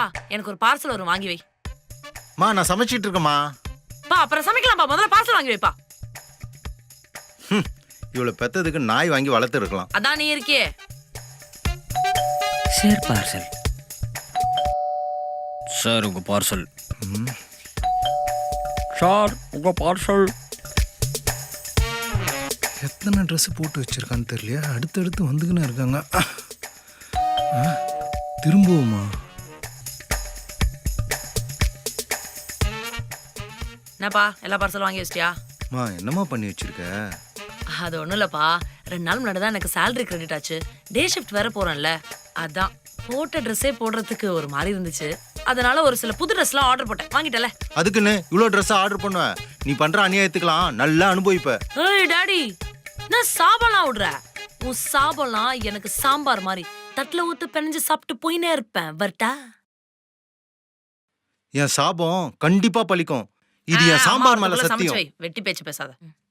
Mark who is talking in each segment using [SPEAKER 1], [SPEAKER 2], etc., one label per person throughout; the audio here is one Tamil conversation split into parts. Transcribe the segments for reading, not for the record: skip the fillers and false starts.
[SPEAKER 1] எனக்கு ஒரு பார்சல் வரும், வாங்கி வை.
[SPEAKER 2] மா நான் சமைச்சிட்டு இருக்கேம்மா.
[SPEAKER 1] பா அப்புறம் சமைக்கலாம்ப்பா, முதல்ல பார்சல் வாங்கி வைப்பா.
[SPEAKER 2] இவ்வளவு பெத்ததுக்கு நாய் வாங்கி வளர்த்து இருக்கலாம்.
[SPEAKER 1] அதான் நீ இருக்கியே.
[SPEAKER 3] Sir parcel. சார் உங்க பார்சல். சார் உங்க பார்சல்.
[SPEAKER 2] எத்தனை ட்ரெஸ் போட்டு வச்சிருக்கான்னு தெரியலையா, அடுத்தடுத்து வந்துக்கின்னு இருக்காங்க. திரும்பவுமா?
[SPEAKER 1] என்னப்பா எல்லா பார்சல் வாங்கி வச்சிட்டியா?
[SPEAKER 2] மா என்னம்மா பண்ணி வச்சிருக்க?
[SPEAKER 1] அது ஒண்ணும் இல்லப்பா, 2 நாள் முன்னாடி தான் எனக்கு சேலரி கிரெடிட் ஆச்சு. டே ஷிஃப்ட் வேற போறேன்ல, அதான் போட்ட ட்ரெஸ்ஸே போடுறதுக்கு ஒரு மாதிரி இருந்துச்சு. அதனால ஒரு சில புது ட்ரெஸ்லாம் ஆர்டர் போட்டேன், வாங்கிட்டல.
[SPEAKER 2] அதுக்குன்னு இவ்வளோ ட்ரெஸ் ஆர்டர் பண்ணுவ? நீ பண்ற அநியாயத்துக்கலாம் நல்லா அனுபவிப்ப.
[SPEAKER 1] ஏய் டாடி, நான் சாபம்லாம் விடுற. உன் சாபம்லாம் எனக்கு சாம்பார் மாதிரி தட்டுல ஊத்து பெனஞ்சு சாப்பிட்டு போயினே இருப்பேன். வரட்டா?
[SPEAKER 2] என் சாபம் கண்டிப்பா பலிக்கும். இது என் சாம்பார் மேல சத்தியம்.
[SPEAKER 1] வெட்டி பேச்சு பேசாத.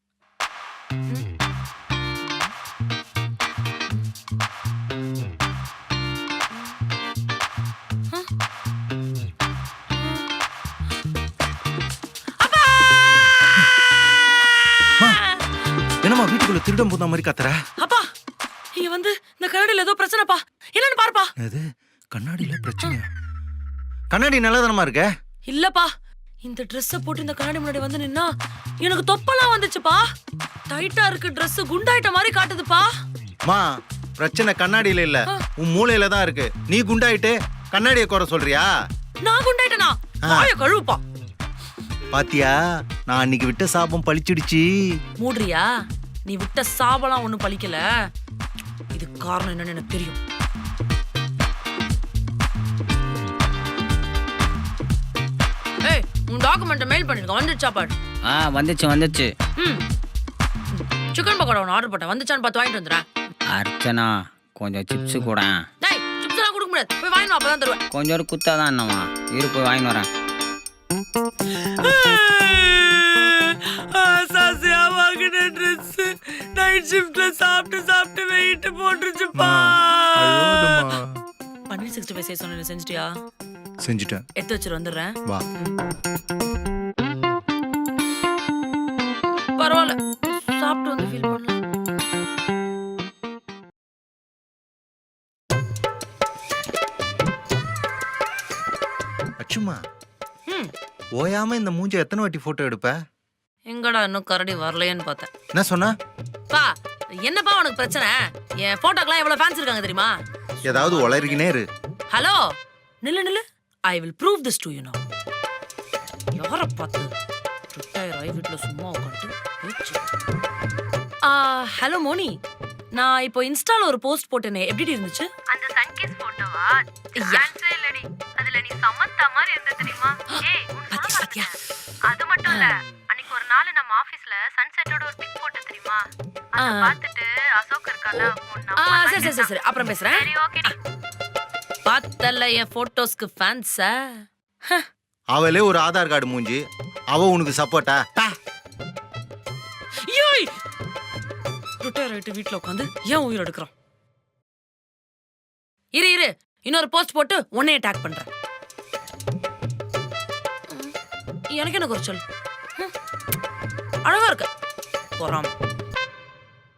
[SPEAKER 2] என்னம்மா வீட்டுக்குள்ள திருடம் போத மாதிரி கத்துற?
[SPEAKER 1] அப்பா இங்க வந்து இந்த கண்ணாடியில ஏதோ பிரச்சனைப்பா, என்னன்னு பாருப்பா.
[SPEAKER 2] அது கண்ணாடியில பிரச்சனையா? கண்ணாடி நல்லதானமா இருக்க?
[SPEAKER 1] இல்லப்பா, இந்த ட்ரெஸ்ஸ போட்டு இந்த கண்ணாடி முன்னாடி வந்து நின்னா எனக்கு தொப்பலாம் வந்துச்சுப்பா. டைட்டா இருக்கு ட்ரெஸ், குண்டாயிட்ட மாதிரி காட்டுதுப்பா.
[SPEAKER 2] மா பிரச்சனை கண்ணாடியில இல்ல, உன் மூளையில தான் இருக்கு. நீ குண்டாயிட்டு கண்ணாடியை குறை சொல்றியா?
[SPEAKER 1] நான் குண்டாயிட்டனா? வாயை கழுவுப்பா.
[SPEAKER 2] பாத்தியா, நான் அன்னைக்கு விட்ட சாபம் பழிச்சிடுச்சு.
[SPEAKER 1] மூடுறியா? நீ விட்ட சாபம்லாம் ஒண்ணும் பழிக்கல. இது காரணம் என்னன்னு எனக்கு தெரியும். ஏய், உன் டாக்குமெண்ட்டை மெயில் பண்ணிருக்க, வந்துச்சா பாரு.
[SPEAKER 3] வந்துச்சு.
[SPEAKER 1] சிக்கன் பக்கோடா ஒன்று ஆர்டர் போட்டேன், வந்துச்சான்னு பார்த்து வாங்கிட்டு வந்துடுறேன்.
[SPEAKER 3] அர்ச்சனா கொஞ்சம் சிப்ஸ் கூட.
[SPEAKER 1] டேய், சிப்ஸ் எல்லாம் கொடுக்க முடியாது, போய் வாங்கிட்டு வா, அப்பதான் தருவேன்.
[SPEAKER 3] கொஞ்சம் ஒரு குத்தா தான் என்னம்மா, இரு போய் வாங்கிட்டு வரேன்.
[SPEAKER 1] சாசியா வாங்கின ட்ரெஸ் நைட் ஷிஃப்ட்ல சாப்பிட்டு வெயிட் போட்டுருச்சுப்பா. பன்னீர் 65 செய்ய சொன்ன, செஞ்சுட்டியா?
[SPEAKER 2] செஞ்சுட்டேன்.
[SPEAKER 1] எடுத்து வச்சுட்டு வந்துடுறேன்.
[SPEAKER 2] வா.
[SPEAKER 1] பரவாயில்ல, சாப்பிட்டு வந்து ஃபீல் பண்ணலாம்.
[SPEAKER 2] அச்சுமா, ஓயாம இந்த மூஞ்ச எத்தனை வாட்டி போட்டோ எடுப்ப?
[SPEAKER 1] எங்கடா இன்னும் கரடி வரலையேன்னு பார்த்தேன்.
[SPEAKER 2] என்ன சொன்ன?
[SPEAKER 1] பா என்னப்பா உனக்கு பிரச்சனை? என் போட்டோக்கெல்லாம் எவ்வளவு ஃபேன்ஸ் இருக்காங்க தெரியுமா?
[SPEAKER 2] ஏதாவது உளறிக்கினே இரு.
[SPEAKER 1] ஹலோ, நில்லு. I will prove this to you now. யாரை பார்த்து ரிட்டையர் ஆகி வீட்டில் சும்மா உட்காந்து பேச்சு. ஹலோ மோனி, நான் இப்போ இன்ஸ்டால ஒரு போஸ்ட் போட்டேனே, எப்படி இருந்துச்சு?
[SPEAKER 4] அந்த சன்கிஸ் போட்டோவா? சான்ஸே இல்லடி. அதுல நீ சமந்தா மாதிரி இருந்த தெரியுமா? ஏய்
[SPEAKER 1] பாத்தியா?
[SPEAKER 4] அது மட்டும் இல்ல, அன்னைக்கு ஒரு நாள் நம்ம ஆபீஸ்ல சன்செட்டோட ஒரு பிக் போட்டு தெரியுமா? அத பார்த்துட்டு அசோக் இருக்கால,
[SPEAKER 1] சரி அப்புறம் பேசுறேன்.
[SPEAKER 4] சரி ஓகே.
[SPEAKER 1] பார்த்தல என் போட்டோஸ்க்கு ஃபேன்ஸா?
[SPEAKER 2] அவளே ஒரு ஆதார் கார்டு மூஞ்சி, அவ உனக்கு சப்போர்ட்டா?
[SPEAKER 1] ஏய், ரிட்டையர் ஆயிட்டு வீட்ல உட்காந்து ஏன் உயிர் எடுக்கிறான்? இரு இன்னொரு போஸ்ட் போட்டு உன்னையே டேக் பண்றேன். எனக்கு என்ன குறைச்சல்? அழகா இருக்க போறாம.